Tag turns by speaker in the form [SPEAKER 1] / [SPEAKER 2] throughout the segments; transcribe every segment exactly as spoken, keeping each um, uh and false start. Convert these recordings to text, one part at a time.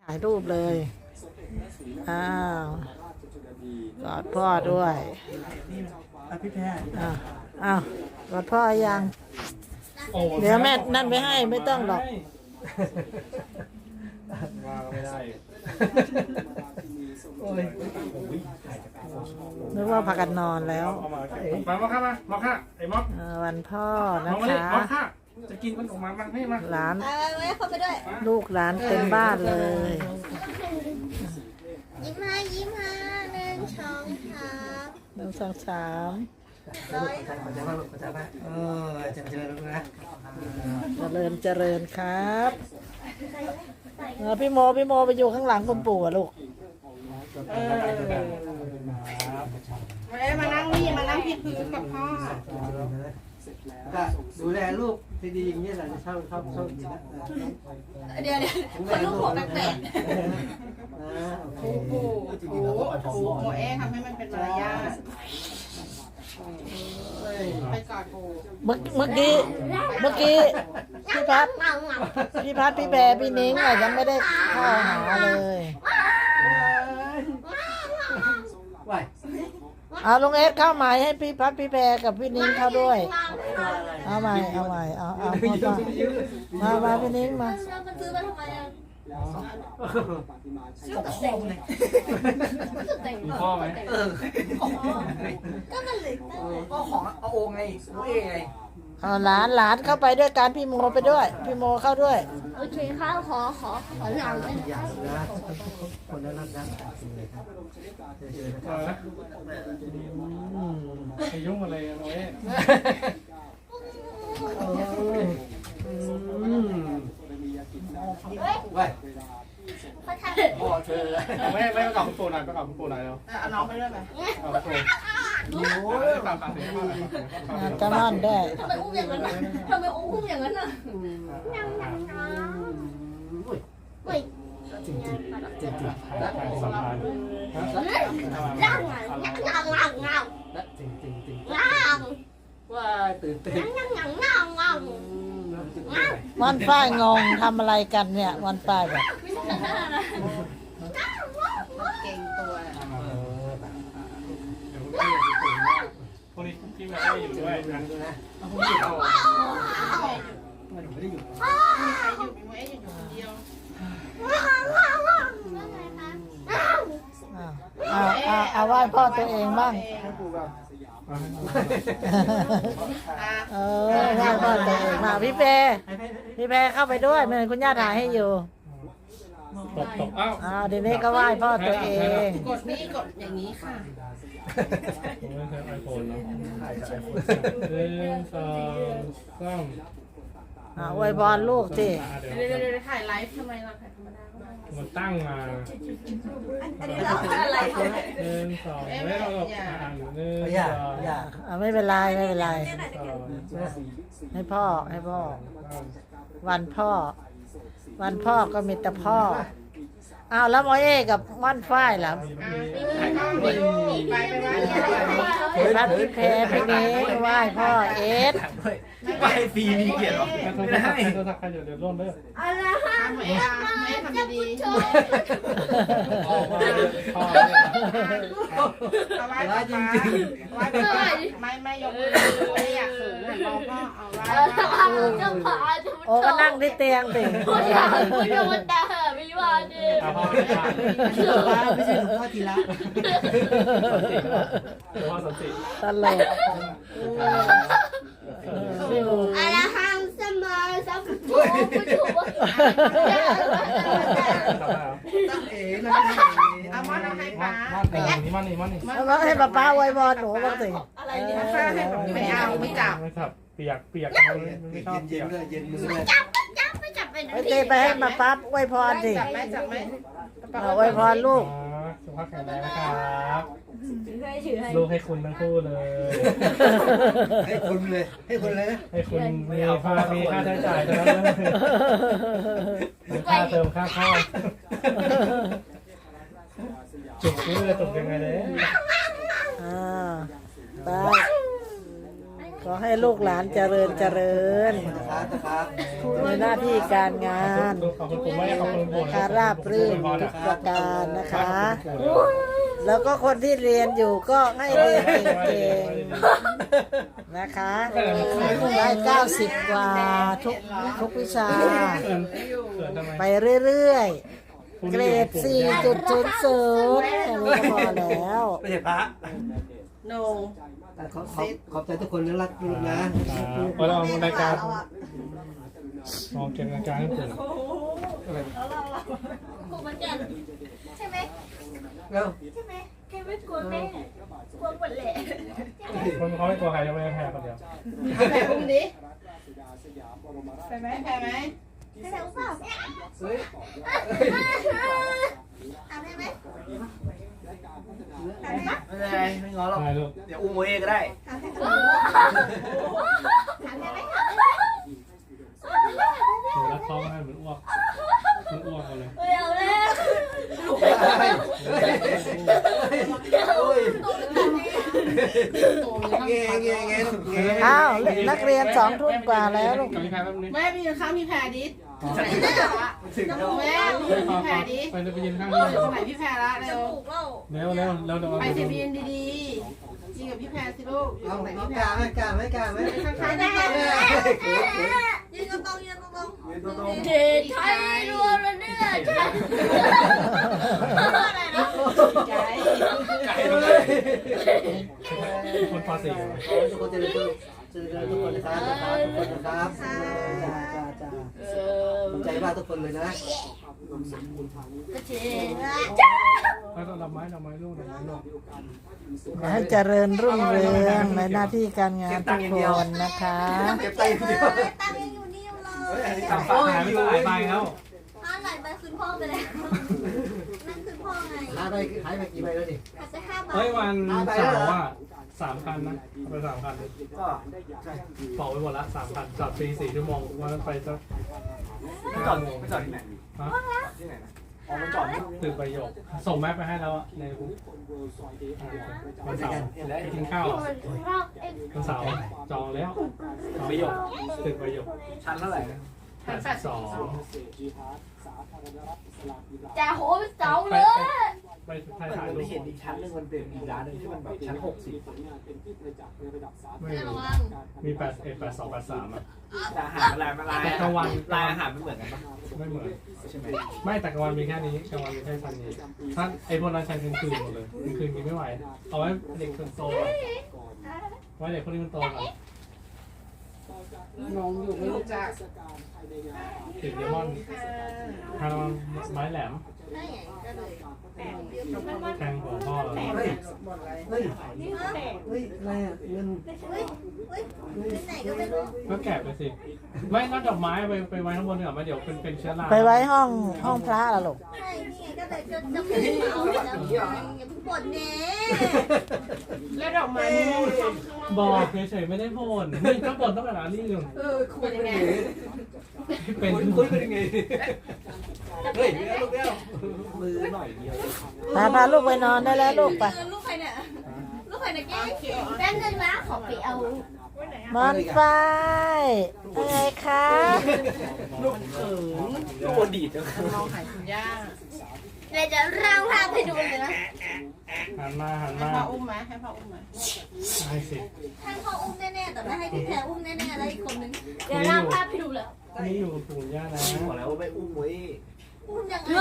[SPEAKER 1] ถ่ายรูปเลยอ้าวกอดพ่อด้วยพี่แพรอ้าวอ้าวกอดพ่อยังเดี๋ยวแม่นั่นไปให้ไม่ต้องหรอก
[SPEAKER 2] ว่าไม่ได้
[SPEAKER 1] นึกว่าพากันนอนแล้ว
[SPEAKER 2] มามาค่ะมามาค่ะไอ้ม็อก
[SPEAKER 1] วันพ่อนะคะ
[SPEAKER 2] มาค่ะจะกินมันออกมามาให้มา
[SPEAKER 1] หลาน
[SPEAKER 3] เข้าไปด้วย
[SPEAKER 1] ลูกหลานเต็มบ้านเลย
[SPEAKER 3] ยิ้มให้ยิ้มให้หนึ่งสองสาม
[SPEAKER 1] หนึ่งสองสาม
[SPEAKER 3] ร้อย
[SPEAKER 4] ขอใจมากลูกขอใจมากเออเจริญนะ
[SPEAKER 1] เจริญเจริญครับพี่โมพี่โมไปอยู่ข้างหลังคุณปู่อะลูก
[SPEAKER 3] มานั่งนี่มานั่งที่พื้นกับพ่อ
[SPEAKER 4] ก็ดูแลลูกที่ดีอย่างนี้แหละชอบชอบชอบดีนะ
[SPEAKER 3] เดี๋ยวเดี๋ยวคนลูกหัวแปลก
[SPEAKER 4] ๆ
[SPEAKER 3] ปู่ปู่ปู่ปู่โมเอทำให้มันเป็นมารยาทไปกอดปู่
[SPEAKER 1] เมื่อเมื่อกี้เมื่อกี้พี่พัดพี่พัดพี่แบร์พี่นิ้งอะยังไม่ได้เข้าหาเลยเอาลุงเอสเข้าใหม่ให้พี่พัดพี่แพรกับพี่นิ้งเข้าด้วยเอาใหม่เอาใหม่เอาเอามามาพี่นิ้งมา
[SPEAKER 3] มันซื้อมาทำไมอ่ะซื้อแต่งเลยแต่ง
[SPEAKER 2] พ่อไหม
[SPEAKER 3] ก็มันเลย
[SPEAKER 4] ก็ของเอาโอ่งไงรู้เองไง
[SPEAKER 1] เอาหลานหลานเข้าไปด้วยการพี่โมไปด้วยพี่โมเข้าด้วย
[SPEAKER 3] โอเคค่ะขอขอขอหลังเลย
[SPEAKER 4] นะคนนั้นรักนะ
[SPEAKER 2] ไปยุ่งอะไรกันเว้ย
[SPEAKER 4] ว้ยพ่อเธอ
[SPEAKER 2] ไม่ไม่ไปกับคุณปู่หน่อยไปกับคุณปู่หน่อยแล้ว
[SPEAKER 3] เอาน้องไปด้วยไหม
[SPEAKER 2] กับปู่โอ้ยตามตามเสียงพ่อเลย
[SPEAKER 1] จะนอนได้
[SPEAKER 3] ทำไมอุ้มอย่างนั้นน่ะทำไมอุ้มอย่างนั้นน่ะยังยังยังเฮ้ย
[SPEAKER 4] จริงจริงจริงจริง
[SPEAKER 2] สัมพันธ์
[SPEAKER 3] ยังยังยังยัง
[SPEAKER 4] จริงจริงจริง
[SPEAKER 3] ยัง
[SPEAKER 4] ว้าตื่นเต้น
[SPEAKER 3] ยังยังยังยัง
[SPEAKER 1] วันฝ้ายงงทำอะไรกันเนี่ยวันฝ้ายแบบ
[SPEAKER 3] เก่งตัว
[SPEAKER 2] พวกนี้ที่มาได้อยู่ด้วยนะพวกนี้เอา
[SPEAKER 4] ไม่ได้อยู่
[SPEAKER 3] ใครอยู่มีโมเออยู่คนเดียว
[SPEAKER 1] เอาเอาเอาไหว้พ่อตัวเองบ้างเออไหว้พ่อตัวเองมาพี่แพรพี่แพรเข้าไปด้วยเหมือนคุณย่าถ่ายให้อยู่
[SPEAKER 2] ตกตกอ้าว
[SPEAKER 1] อ้าวทีนี้ก็ไหว้พ่อตัวเอง
[SPEAKER 3] กดนี่กดอย่างนี้ค่ะ
[SPEAKER 2] ผมไม่ใช้ไอโฟนนะหนึ่งสองสาม
[SPEAKER 1] อ่าอวยพรลูกสิ
[SPEAKER 3] เดี๋ยวเดี๋ยวถ่ายไลฟ์ทำไมเราถ่ายธรรมดา
[SPEAKER 2] มันตั้งมา
[SPEAKER 3] อันนี้เราอะไร
[SPEAKER 2] หนึ่งสองไม่เราแบบอ่านหนึ่งสอง
[SPEAKER 1] อ่าไม่เป็นไรไม่เป็นไรให้พ่อให้พ่อวันพ่อวันพ่อก็มีแต่พ่ออ้าวแล้วโมเอกับม่อนฝ้ายล่ะพี่พัดพี่แพรพี่นี้ไหว้พ่อเอส
[SPEAKER 4] ไปฟรีมีเกียรติหรอ
[SPEAKER 2] ไม่ได้โทรศัพท์ใครเดี๋ยวเดี๋ยวร่นเลย
[SPEAKER 3] อะไรฮะไม่ไม่ทำดี
[SPEAKER 2] พ่อพ่อ
[SPEAKER 3] เอาไว้ป้าจริงจริงไว้ป้าไม่ไม่ยกมือไม่อยากฝืนมองพ่อเอาไว้
[SPEAKER 1] โอ้ก็นั่งที่เตียงสิ
[SPEAKER 3] คุณอยากคุณอยากมันด่าไม่ว่าดิ
[SPEAKER 4] ไม่ใช่หลวงพ่อทีละ
[SPEAKER 2] พ่อสติ
[SPEAKER 1] ตลก
[SPEAKER 3] อะไรห้ามเสมอสักถูกถูก
[SPEAKER 4] ตั้งเอ๋นะ
[SPEAKER 3] เอามาเอาให้ป้า
[SPEAKER 2] นี่มันนี่มันนี่
[SPEAKER 1] แล้วให้ป้าป้าไว้บอลหนูบ้างสิ
[SPEAKER 3] อะไรเนี่ยไม่เอาไม่จับ
[SPEAKER 2] ไม่จับเปียกเปียกไม่ชอบ
[SPEAKER 4] เย็นเลยเย็นมือเลย
[SPEAKER 3] จับจับไม่จับไป
[SPEAKER 1] ไปตีไปให้ป้าป้าไว้พรสิ
[SPEAKER 3] จับไหมจับไหม
[SPEAKER 1] ไว้พรลูก
[SPEAKER 2] สุขภาพแข็งแรงนะครับลูกให้คุณทั้งคู่เลย
[SPEAKER 4] ให้คุณเลยให้คุณเลยนะ
[SPEAKER 2] ให้คุณมีค่ามีค่าใช้จ่ายนะค่าเติมค่าข้าวจุกเลยจุกยังไงเลย
[SPEAKER 1] อ่าไปขอให้ลูกหลานเจริญเจริญ
[SPEAKER 4] นะครับนะครับ
[SPEAKER 1] ในหน้าที่การงาน
[SPEAKER 2] ขอบคุณผมไม่ขอบคุณผม
[SPEAKER 1] นะคะราบรื่นทุกประการนะคะ แล้วก็คนที่เรียนอยู่ก็ให้เรียนเก่งๆนะคะได้เก้าสิบกว่าทุกทุกวิชา
[SPEAKER 2] เขินเขินทำไม
[SPEAKER 1] ไปเรื่อยๆ เกรด สี่จุดศูนย์ศูนย์ อันนี้ก็พอแล้ว
[SPEAKER 4] ไม่ใช่พระ
[SPEAKER 3] โน
[SPEAKER 4] ขอบขอบขอบใจทุกคนนะรักลูกนะ
[SPEAKER 2] พอเรารายการมองเกมรายการให้ผม
[SPEAKER 3] ครูมันกันใช่ไหม
[SPEAKER 4] แล้ว
[SPEAKER 3] ใช่ไหมแกไม่กลัวแม่กลัวหมดแหละ
[SPEAKER 2] คนเขาไม่ตัวใครจะไม่แพ้คนเดียว
[SPEAKER 3] เอาแบบอุ้มดิไปไหมไปไหมไปไหนอุ้มเปล่า
[SPEAKER 4] เฮ้ย
[SPEAKER 3] เอาได้ไหม
[SPEAKER 5] ไม่เป็นไรไม่ง้อหรอก
[SPEAKER 2] ใช่ลูก
[SPEAKER 5] เดี๋ยวอุ้มโมเองก็ได้
[SPEAKER 3] ถามได้ไหมถามได้ไหม
[SPEAKER 2] หนูรักเขาไม่ให้เหมือนอ้วกมันอ้วกเอาเลย
[SPEAKER 3] เอาแล้ว
[SPEAKER 4] โอ้ยเงี้ยเงี้ยเงี้ยเงี้ย
[SPEAKER 1] อ้าวนักเรียนสองทุ่มกว่าแล้วลูก
[SPEAKER 2] กับพี่แพ้แป๊บนึง
[SPEAKER 3] แม่ไปยืนข้างพี่แพรดิ
[SPEAKER 4] ถึงแล้ว
[SPEAKER 3] แม่ไปยืนพี่แพรดิ
[SPEAKER 2] ไปไปยืนข้าง
[SPEAKER 3] เอ
[SPEAKER 2] นี้
[SPEAKER 3] อตรงไหนพี่แพรละเร็ว
[SPEAKER 2] เร็วเร็วเร็วเดี๋ยว
[SPEAKER 3] ไปสิยืนดีๆยืนกับพี่แพรสิลูกอยู่
[SPEAKER 4] เอา
[SPEAKER 3] ตรงไหน
[SPEAKER 4] เอา
[SPEAKER 3] พี่แพ
[SPEAKER 4] การ ไหมกาไหมกาไหม
[SPEAKER 3] ข้างๆแม่ยืนตรงยืนตรงเด็ดไทยรวมแล้วเนี่ยใช่อะไรนะใจ
[SPEAKER 5] ไก่
[SPEAKER 4] เฮ้
[SPEAKER 5] เลย
[SPEAKER 4] ย
[SPEAKER 2] คนพอสี่
[SPEAKER 4] ทุกคนจะได้จะได้ทุกคนนะครับทุกคนนะครับจ้าจ้าจ้าขอบใจมากทุกคนเลยนะ
[SPEAKER 3] เจ๊
[SPEAKER 2] แล้วดอกไม้ดอกไม้ลูกดอกไม้ลูก
[SPEAKER 1] ขอให้เจริญรุ่งเรืองในหน้าที่การงานทุกคนนะคะ
[SPEAKER 4] เก็บไตเดียว
[SPEAKER 3] ตังยังอยู่นี่อยู่เลย
[SPEAKER 2] สามฝากหายไม่ต้องหลายใบแล้ว
[SPEAKER 3] ถ้าไหลไปคืนพ่อไปแล้วนั่นคือพ่อไง
[SPEAKER 4] หายไปหายไปกี่ใบแล้วดิ
[SPEAKER 3] อาจจะห้าบาท
[SPEAKER 2] เฮ้ยวันเสาร์อ่ะสามพันนะเอาไปสามพัน
[SPEAKER 5] ก็ใช่
[SPEAKER 2] เป่าไปหมดละสามพันจอดฟรีสี่ชั่วโมงวันนั้นไปสัก
[SPEAKER 5] ไม่จอดไม่จอดที่ไหน
[SPEAKER 2] ฮะ
[SPEAKER 5] ที่ไหนนะอ๋อมันจอดที่
[SPEAKER 2] ตึกประโยคส่งแมปไปให้แล้วอะในกลุ่มวันเสาร์ไปกินข้าวอะวันเสาร์จองแล้วประโยคตึกประโยค
[SPEAKER 5] ชั้นเท่าไหร่นะ
[SPEAKER 2] แปดสิบสอง
[SPEAKER 3] จะโหไปเสาเลย
[SPEAKER 2] ไปถ่ายถ่าย
[SPEAKER 5] มัน
[SPEAKER 2] รู
[SPEAKER 5] ไม่
[SPEAKER 2] ป
[SPEAKER 5] เห็นอีกชั้นหนึงมันเป็นอีกร้านหนึงที่มันแบบชั้นหกสิบ
[SPEAKER 2] ไม่
[SPEAKER 3] ระ
[SPEAKER 2] รู้
[SPEAKER 3] วัง
[SPEAKER 2] มีแปดเอ็ดแปดสองแปดสามอ่ะ
[SPEAKER 5] แต่อาหารอะไรมาลาย
[SPEAKER 2] แต่กลางวัน
[SPEAKER 5] ลายอาหารมันเหมือนกันปะ
[SPEAKER 2] ไม่เหมือน
[SPEAKER 5] ใช่ไหม
[SPEAKER 2] ไม่แต่กลางวันมีแค่นี้กลางวันมีแค่ชั้นนี้ถ้าไอ้พวกนั้นใช้กลางคืนหมดเลยกลางคืนกินไม่ไหวเอาไว้เด็กคนโตอะไว้เด็กคนนี้มันโตก่อน
[SPEAKER 3] น้องอยู่ไม่รู้จัก
[SPEAKER 2] ติดเลมอนทางไม้แหลม
[SPEAKER 3] ได้ไงก็เลย
[SPEAKER 2] แทงหัวพ่อเรา
[SPEAKER 4] เฮ้ยเฮ้ยเฮ้ยอะไรอ่ะเงิน
[SPEAKER 3] เฮ้ยเฮ้ยเป็นไหนก็ไม่รู้
[SPEAKER 2] ก็แกะไปสิไม่ก็ดอกไม้ไปไปไว้ข้างบนเถอะมาเดี๋ยวเป็นเป็นเชื้อรา
[SPEAKER 1] ไปไว้ห้องห้องพระละลูก
[SPEAKER 3] ใช่นี่ไงก็เลยจะจะพูดเอาแล้วอย่าเพิ่งบ่นเน่แล้วดอกไม้
[SPEAKER 2] บอกเฉยๆไม่ได้พ่นนี่ก็บ่นตั้งแต่ร้านนี้อยู่
[SPEAKER 3] เออคุณยังไง
[SPEAKER 2] เป็น
[SPEAKER 5] คุยคุยเป็นยังไงเฮ้ยเลี้ยวลูกเลี้ยวมือหน่อยเดียว
[SPEAKER 1] พาพาลูกไปนอนได้แล้วลูกไป
[SPEAKER 3] ลูกใครเนี่ยลูกใครเนี่ยแก้แป๊บนึงนะขอไปเอา
[SPEAKER 1] มอนไฟเป็นไงคะ
[SPEAKER 5] ลูกเขินลูกโอดีดจัง
[SPEAKER 3] เราหายคุณย่าเดี๋ยวจะร่างภาพให้ดูเลยนะ
[SPEAKER 2] หันมาหัน
[SPEAKER 6] ให้
[SPEAKER 2] มา
[SPEAKER 6] พ่ออุ้มไหมให้พ่ออุ้มไหม
[SPEAKER 2] ให้สิ
[SPEAKER 3] ให้พ่ออุ้มแน่ๆแต่ไม่ให้พี่แพรอุ้มแน่ๆแล้วอีกคนนึงเดี๋ยวร่างภาพให้ดูเลย
[SPEAKER 2] นี่อยู่กับปู่ย่านะ
[SPEAKER 5] บอกแล้วว่าไม่อุ้มเว้ย
[SPEAKER 3] อุ้มยังไง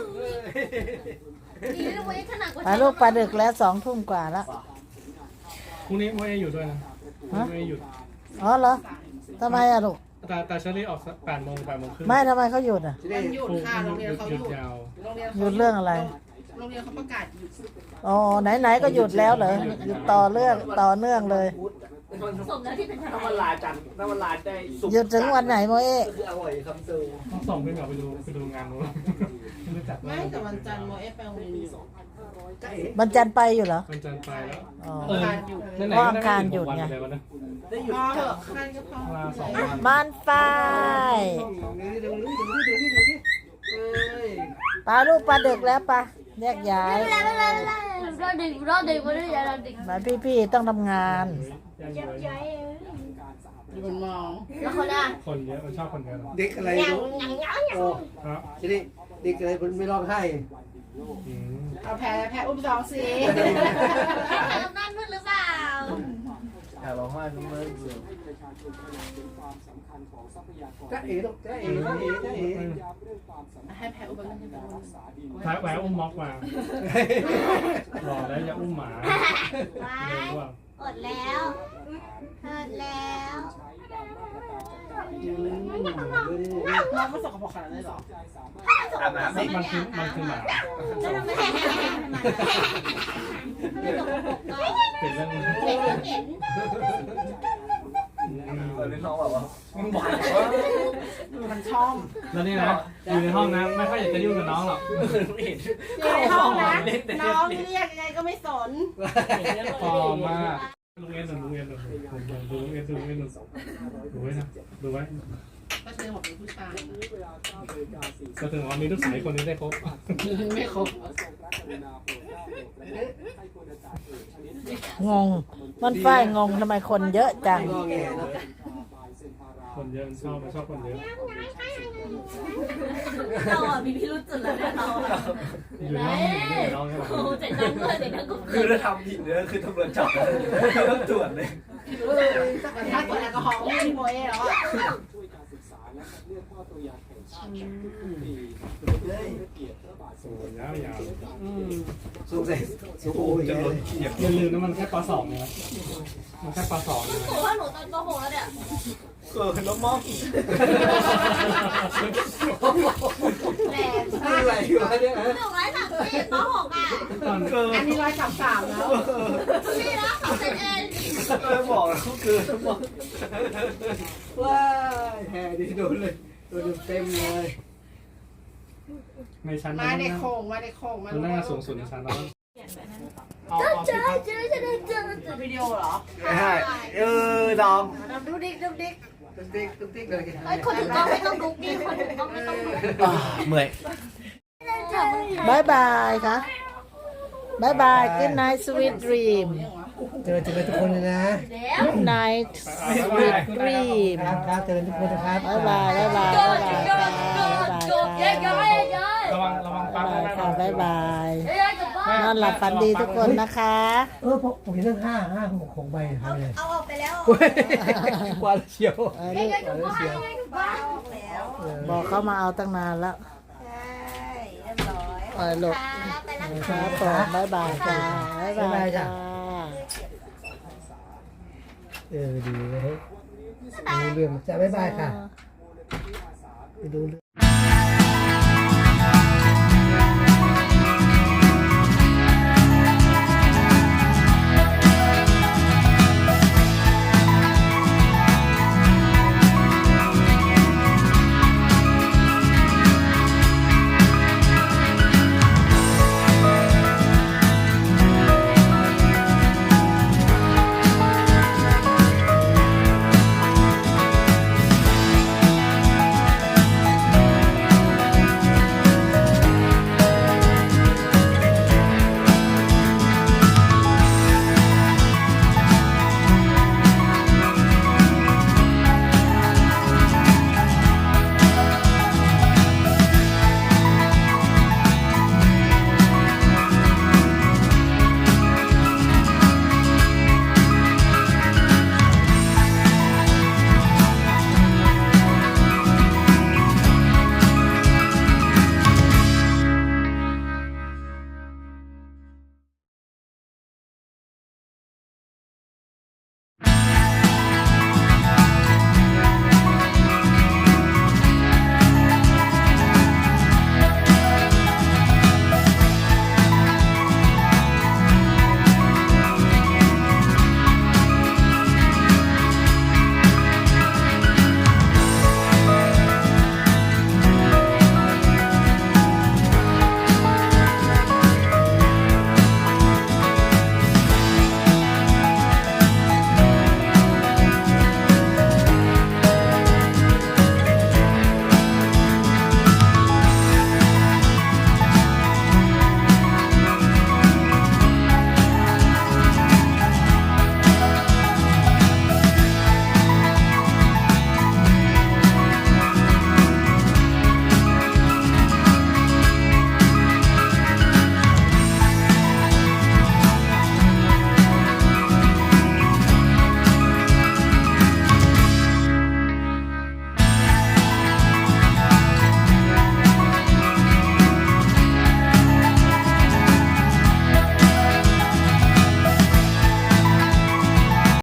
[SPEAKER 3] ดีนะเว้ยขนาดกว่า
[SPEAKER 1] ไปลูกไปดึกแล้วสองทุ่มกว่าแล้ว
[SPEAKER 2] พรุ่งนี้ไม่ได้อยู่ด้วยนะไม่ได้หยุด
[SPEAKER 1] อ๋อเหรอทำไมอะลูก
[SPEAKER 2] แต่แต่เชอรี่ออกแปดโมงแปดโมงครึ่ง
[SPEAKER 1] ไม่ทำไมเขาหยุดอะ
[SPEAKER 6] มันหยุด
[SPEAKER 2] ปู่
[SPEAKER 6] ค่ะโรงเรียนเขา
[SPEAKER 2] ห
[SPEAKER 6] ห
[SPEAKER 2] ยุ
[SPEAKER 6] ยุ
[SPEAKER 2] ด
[SPEAKER 6] ด
[SPEAKER 2] ยาว
[SPEAKER 6] โรงเรียน
[SPEAKER 1] หยุดเรื่องอะไร
[SPEAKER 6] โรงเรียนเขาประกาศหยุด
[SPEAKER 1] อ๋อไหนๆก็หยุดแล้วเหรอหยุดต่อเรื่องต่อเนื่องเลย
[SPEAKER 3] สมแล้วที่เป็นท
[SPEAKER 5] ถ้าวันลาจันทร์ถ้าวันลาได้สุก
[SPEAKER 1] หยุดถึงวันไหนโมเอะ
[SPEAKER 5] คืออร่อยคำซู
[SPEAKER 2] ต้องส่งพี่เหมียวไปดูไปดูงานนู้นไม่รู้จัก
[SPEAKER 6] ไม่แต่วันจันทร์โมเอฟไปโรงเรียนอยู่
[SPEAKER 1] วันจันทร์ไปอยู่เหรอ
[SPEAKER 2] มันจันทร์ไปแล้ว
[SPEAKER 1] อ๋อ
[SPEAKER 2] เออนั่นไหน
[SPEAKER 1] เพราะ
[SPEAKER 2] ก็
[SPEAKER 1] อังคารหยุดไง
[SPEAKER 2] ได้วันนะ
[SPEAKER 5] ได้หยุด
[SPEAKER 6] พ่อเห
[SPEAKER 5] จั
[SPEAKER 6] อะ
[SPEAKER 5] ด
[SPEAKER 6] ข้านก็พ่อ
[SPEAKER 2] ลาสองวัน
[SPEAKER 1] มอนไฟ
[SPEAKER 4] ดูนี่ดูนี่ดูนี่ดูนี่เฮ้ย
[SPEAKER 1] ปลาลูกปลาดึกแล้วปะแยกย้าย
[SPEAKER 3] ำไม่เป็นไรไม่เป็นไรเราดึกเราดึกมาด้วยอย่าเราดึก
[SPEAKER 1] มาพี่ๆต้องทำงาน
[SPEAKER 2] ยังเลย
[SPEAKER 6] อยู่บนมอง
[SPEAKER 3] แล้วคนอ่ะ
[SPEAKER 2] คนเยอะมันชอบคนเยอะหรอ
[SPEAKER 4] เด็กอะไร
[SPEAKER 3] ยัง
[SPEAKER 4] รู้
[SPEAKER 3] ยังยังยัง
[SPEAKER 4] โอ้
[SPEAKER 2] ครับ
[SPEAKER 4] ทีนี้เด็กอะไรมันไม่ร้องไห้
[SPEAKER 2] อืม
[SPEAKER 6] เอาแพ้แพ้อุ้มสองสิ
[SPEAKER 3] แค่ทำนั่นมืดหรือเปล่า
[SPEAKER 4] อยากร้องไห้ทำไมจ้าเอ๋ลูกจ้าเอ๋จ้าเอ๋จ้าเอ๋
[SPEAKER 6] ให้แพ้อุ้มมันจะเป็น
[SPEAKER 2] แพ้แพ้อุ้มม็อกมารอแล้วอย่าอุ้มหมา
[SPEAKER 3] ไว้
[SPEAKER 2] เร็วว่า
[SPEAKER 3] อดแล้วอดแล้ว
[SPEAKER 6] น้องไม่สกปรกขนาดนั้นหรอ
[SPEAKER 5] อาบน้ำ
[SPEAKER 2] มั
[SPEAKER 5] สิ
[SPEAKER 2] นมันคือมันคือหมา
[SPEAKER 3] แล้วทำไมไม่ตกปกก็
[SPEAKER 2] เป็นเรื่อง
[SPEAKER 3] เห็นเห็น
[SPEAKER 5] เออน้องแบบว่ามึงบ่อยว่า
[SPEAKER 6] มันช่อง
[SPEAKER 2] แล้วนี่นะอยู่ในห้องนะไม่ค่อยอยากจะยุ่งกับน้องหรอก
[SPEAKER 5] ไม่เห็น
[SPEAKER 6] อยู่ในห้องนะน้องเรียกยังไงก็ไม่สน
[SPEAKER 2] พอมากลุงเอ็นหนุนลุงเอ็นหนุนดูลุงเอ็นดูลุงเอ็นหนุนดูไว้นะดูไว้
[SPEAKER 6] ก็เชื่อผมเป็นผู้ชาย
[SPEAKER 2] ก็ถึงว่ามีลูกสาวคนนี้ได้ครบ
[SPEAKER 6] ไม่ครบ
[SPEAKER 1] งง มันฝ้ายงงทำไมคนเยอะจัง
[SPEAKER 4] งอแงนะ
[SPEAKER 2] คนเยอะมันชอบมันชอบคนเยอะ
[SPEAKER 3] เราอ่ะมีพิรุษจุดเลยเราอ่ะ
[SPEAKER 2] อยู่ในห้องอยู่ในน้องใช่ไหม
[SPEAKER 3] โอ้เจ็ดดังด้วยเจ็ดดังก็
[SPEAKER 5] คือถ้าทำผิดเนี่ยคือตำรวจจับคือต้องตรวจเลย
[SPEAKER 6] ถ้าตรวจแอลกอฮอล์ไม่มีโมเอแล้วอ่ะ
[SPEAKER 2] โอ้ยยาว
[SPEAKER 4] สูงใส่สูงโอ้ย
[SPEAKER 2] ๆจะลดอย่าลืมนะมันแค่ปสองนะมันแค่ปสองนะ
[SPEAKER 3] หนูว่าหนูตอนปหกแล้วเนี่ย
[SPEAKER 5] เกิดน้องมอง
[SPEAKER 3] แรง
[SPEAKER 4] อะไรอยู่เนี่ย
[SPEAKER 3] หนูร้อยสามสิบปหกอ่ะ
[SPEAKER 2] ตอน
[SPEAKER 5] เกิด
[SPEAKER 6] อันนี้ร้อยสามสามแล้ว
[SPEAKER 3] นี่นะสองเซนเอง
[SPEAKER 5] เออบอกแล้วเกิดน้องมอง
[SPEAKER 4] ว้ายแห่ดีโดนเลยโดนเต็มเลย
[SPEAKER 2] ในชั้น
[SPEAKER 6] มาในโค้งมาในโค้งมา
[SPEAKER 2] มันน่าสูงสุดในชั้นแล้วเอา
[SPEAKER 3] เจ
[SPEAKER 2] เอา
[SPEAKER 3] อเจอเจอเจอเจอเจอ
[SPEAKER 6] วิดีโอเหรอ
[SPEAKER 5] ใช่เออดอง
[SPEAKER 3] ดูดิกดูดิก
[SPEAKER 4] ตุ๊กติ๊กตุ๊กติ๊กเลย
[SPEAKER 3] เอ้ยคนถือกล้องไม่ต้องดุกดิคนถือกล้องไม่ต้องดุก
[SPEAKER 5] เมื่อย
[SPEAKER 1] บายบายค่ะบายบาย good night sweet dream
[SPEAKER 4] เจอเจอทุกคนเลยนะ
[SPEAKER 3] แล้ว
[SPEAKER 1] good night sweet dream
[SPEAKER 4] ครับครับเจอทุกคนนะครับ
[SPEAKER 1] บายบายบายบายบายบายค่ะบายบาย
[SPEAKER 3] เย้เย้
[SPEAKER 1] ค่ะ
[SPEAKER 3] เย้
[SPEAKER 2] ระวังระวังปั๊บบ
[SPEAKER 1] ายค่ะบายบาย
[SPEAKER 3] เย้กลับบ้าน
[SPEAKER 1] นอนหลับฝันดีทุกคนนะคะ
[SPEAKER 4] เออผมผมเห็นตั้งห้าห้าหกของใบทำเลย
[SPEAKER 3] เอาออกไปแล้ว
[SPEAKER 4] กว่าเชียว
[SPEAKER 1] เออ
[SPEAKER 3] เย้
[SPEAKER 1] ลูก
[SPEAKER 3] กลับบ้านเย้กลับบ้านออกแล้ว
[SPEAKER 1] บอกเขามาเอาตั้งนานแล้ว
[SPEAKER 3] ใช่เรียบร้อย
[SPEAKER 1] เออลูก
[SPEAKER 3] ไปแล้ว
[SPEAKER 1] ค
[SPEAKER 3] ค่ะ
[SPEAKER 1] รับผมบายบายค่ะบายบายค่ะ
[SPEAKER 4] เออดีเลยดูเรื่องจะบ๊ายบายค่ะไปดู